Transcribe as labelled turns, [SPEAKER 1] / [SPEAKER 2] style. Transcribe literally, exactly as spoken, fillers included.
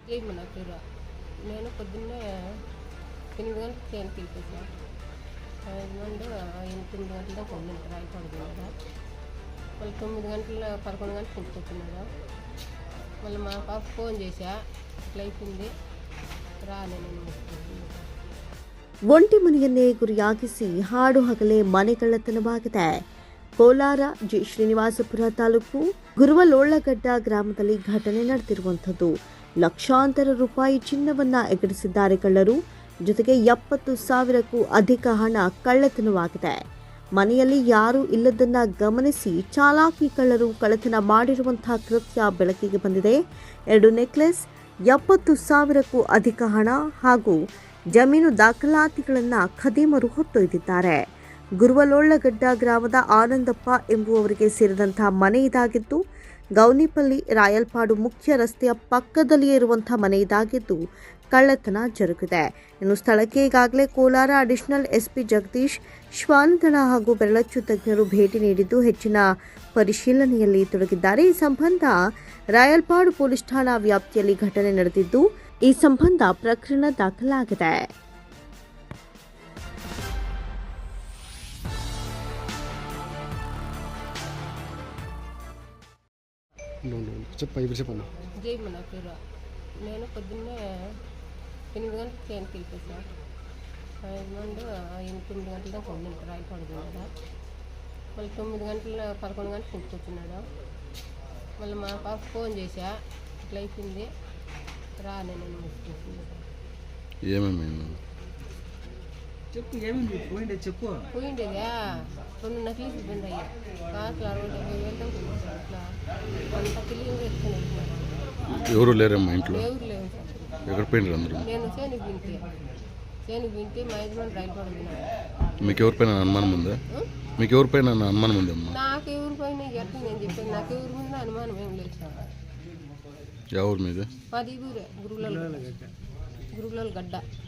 [SPEAKER 1] Jail నా పేరు. నేను పొద్దున్నే ఎనిమిది గంటలకు ట్రైన్కి వెళ్ళిపోయాను. హస్బెండ్ తొమ్మిది గంటల దాకా ఉండింటారు రాయకూడదు కదా. మళ్ళీ తొమ్మిది గంటల పదకొండు గంటలకు ఇంటికి వచ్చినాడు. మళ్ళీ మా పాప ఫోన్ చేశా, ఇట్లా అయిపోయింది ರಾಲೇನೆ.
[SPEAKER 2] ಒಂಟಿ ಮನೆಯನ್ನೇ ಗುರಿಯಾಗಿಸಿ ಹಾಡು ಹಗಲೇ ಮನೆ ಕಳ್ಳತನವಾಗಿದೆ. ಕೋಲಾರ ಜಿ ಶ್ರೀನಿವಾಸಪುರ ತಾಲೂಕು ಗುರುವಲೋಳ್ಳಗಡ್ಡ ಗ್ರಾಮದಲ್ಲಿ ಘಟನೆ ನಡೆದಿರುವಂಥದ್ದು. ಲಕ್ಷಾಂತರ ರೂಪಾಯಿ ಚಿನ್ನವನ್ನ ಎಗರಿಸಿದ್ದಾರೆ ಕಳ್ಳರು. ಜೊತೆಗೆ ಎಪ್ಪತ್ತು ಸಾವಿರಕ್ಕೂ ಅಧಿಕ ಹಣ ಕಳ್ಳತನವಾಗಿದೆ. ಮನೆಯಲ್ಲಿ ಯಾರೂ ಇಲ್ಲದನ್ನ ಗಮನಿಸಿ ಚಾಲಾಕಿ ಕಳ್ಳರು ಕಳ್ಳತನ ಮಾಡಿರುವಂತಹ ಕೃತ್ಯ ಬೆಳಕಿಗೆ ಬಂದಿದೆ. ಎರಡು ನೆಕ್ಲೆಸ್, ಎಪ್ಪತ್ತು ಸಾವಿರಕ್ಕೂ ಅಧಿಕ ಹಣ ಹಾಗೂ ಜಮೀನು ದಾಖಲಾತಿಗಳನ್ನು ಖದೀಮರು ಹೊತ್ತೊಯ್ದಿದ್ದಾರೆ. ಗುರುವಲೋಳ್ಳಗಡ್ಡ ಗ್ರಾಮದ ಆನಂದಪ್ಪ ಎಂಬುವವರಿಗೆ ಸೇರಿದಂತಹ ಮನೆ ಇದಾಗಿದ್ದು, ಗೌನಿಪಲ್ಲಿ ರಾಯಲ್ಪಾಡು ಮುಖ್ಯ ರಸ್ತೆಯ ಪಕ್ಕದಲ್ಲಿಯೇ ಇರುವಂತಹ ಮನೆ ಇದಾಗಿದ್ದು ಕಳ್ಳತನ ಜರುಗಿದೆ. ಇನ್ನು ಸ್ಥಳಕ್ಕೆ ಈಗಾಗಲೇ ಕೋಲಾರ ಅಡಿಷನಲ್ ಎಸ್ಪಿ ಜಗದೀಶ್, ಶ್ವಾನದಳ ಹಾಗೂ ಬೆರಳಚ್ಚು ತಜ್ಞರು ಭೇಟಿ ನೀಡಿದ್ದು ಹೆಚ್ಚಿನ ಪರಿಶೀಲನೆಯಲ್ಲಿ ತೊಡಗಿದ್ದಾರೆ. ಈ ಸಂಬಂಧ ರಾಯಲ್ಪಾಡು ಪೊಲೀಸ್ ಠಾಣಾ ವ್ಯಾಪ್ತಿಯಲ್ಲಿ ಘಟನೆ ನಡೆದಿದ್ದು, ಈ ಸಂಬಂಧ ಪ್ರಕರಣ ದಾಖಲಾಗಿದೆ.
[SPEAKER 1] జైలు నా పేరు. నేను పొద్దున్నే ఎనిమిది గంటలకు ట్రైన్కి వెళ్ళిపోయాను. హస్బెండ్ తొమ్మిది గంటల దాకా ఉండింటారు రాయకూడదు కదా. మళ్ళీ తొమ్మిది గంటల పదకొండు గంటలకు ఇంటికి వచ్చినాడు. మళ్ళీ మా పాప ఫోన్ చేశా, ఇట్లా అయిపోయింది రాలేనే.
[SPEAKER 3] ఏమేమి
[SPEAKER 4] చెప్పు, ఏమేమి పోయిండే చెప్పు.
[SPEAKER 1] పోయిండేదా రెండు నకిలీస్ పోయిండయ్యా. కాసులు అరవై డెబ్బై వేలు దాకా ఉంది. అట్లా అంత తెలియదు ఎత్తుకుని వెళ్ళిపోయాను.
[SPEAKER 3] ఎవరు లేరమ్మా ఇంట్లో?
[SPEAKER 1] ఎవరు లేవు సార్.
[SPEAKER 3] ఎక్కడ పోయినారు అందరూ?
[SPEAKER 1] నేను చేనుకు వింటే చేనుకు వింటే మా యజమాని రైలు పడుతున్నాడు.
[SPEAKER 3] మీకు ఎవరిపైన అనుమానం ఉందా? మీకు ఎవరిపైన అనుమానం ఉంది అమ్మా?
[SPEAKER 1] నాకు ఎవరిపైన ఎట్లా నేను చెప్పాను, నాకు ఎవరి మీద అనుమానం ఏం లేదు సార్.
[SPEAKER 3] ఎవరి మీద?
[SPEAKER 1] మాది ఊరే గురువుల గురువుల గడ్డ.